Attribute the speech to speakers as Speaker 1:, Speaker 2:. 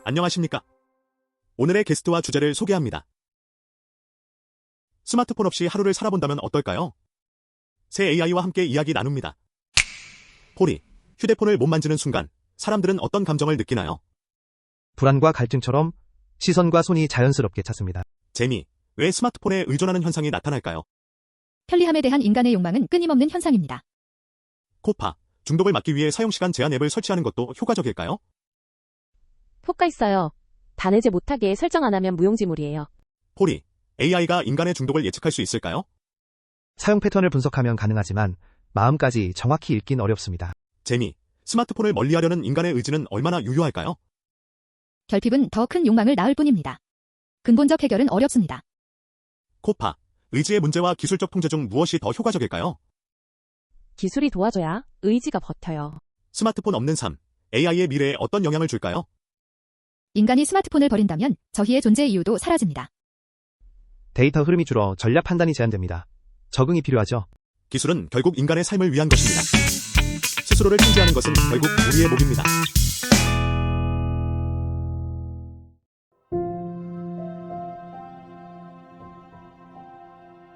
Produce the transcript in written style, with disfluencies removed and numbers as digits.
Speaker 1: 안녕하십니까? 오늘의 게스트와 주제를 소개합니다. 스마트폰 없이 하루를 살아본다면 어떨까요? 새 AI와 함께 이야기 나눕니다. 폴이 휴대폰을 못 만지는 순간 사람들은 어떤 감정을 느끼나요?
Speaker 2: 불안과 갈증처럼 시선과 손이 자연스럽게 찼습니다.
Speaker 1: 재미, 왜 스마트폰에 의존하는 현상이 나타날까요?
Speaker 3: 편리함에 대한 인간의 욕망은 끊임없는 현상입니다.
Speaker 1: 코파, 중독을 막기 위해 사용시간 제한 앱을 설치하는 것도 효과적일까요?
Speaker 4: 효과 있어요. 단해제 못하게 설정 안 하면 무용지물이에요.
Speaker 1: 폴이 AI가 인간의 중독을 예측할 수 있을까요?
Speaker 2: 사용 패턴을 분석하면 가능하지만 마음까지 정확히 읽긴 어렵습니다.
Speaker 1: 재미, 스마트폰을 멀리하려는 인간의 의지는 얼마나 유효할까요?
Speaker 3: 결핍은 더 큰 욕망을 낳을 뿐입니다. 근본적 해결은 어렵습니다.
Speaker 1: 코파, 의지의 문제와 기술적 통제 중 무엇이 더 효과적일까요?
Speaker 4: 기술이 도와줘야 의지가 버텨요.
Speaker 1: 스마트폰 없는 삶, AI의 미래에 어떤 영향을 줄까요?
Speaker 3: 인간이 스마트폰을 버린다면 저희의 존재 이유도 사라집니다.
Speaker 2: 데이터 흐름이 줄어 전략 판단이 제한됩니다. 적응이 필요하죠.
Speaker 1: 기술은 결국 인간의 삶을 위한 것입니다. 스스로를 통제하는 것은 결국 우리의 몫입니다.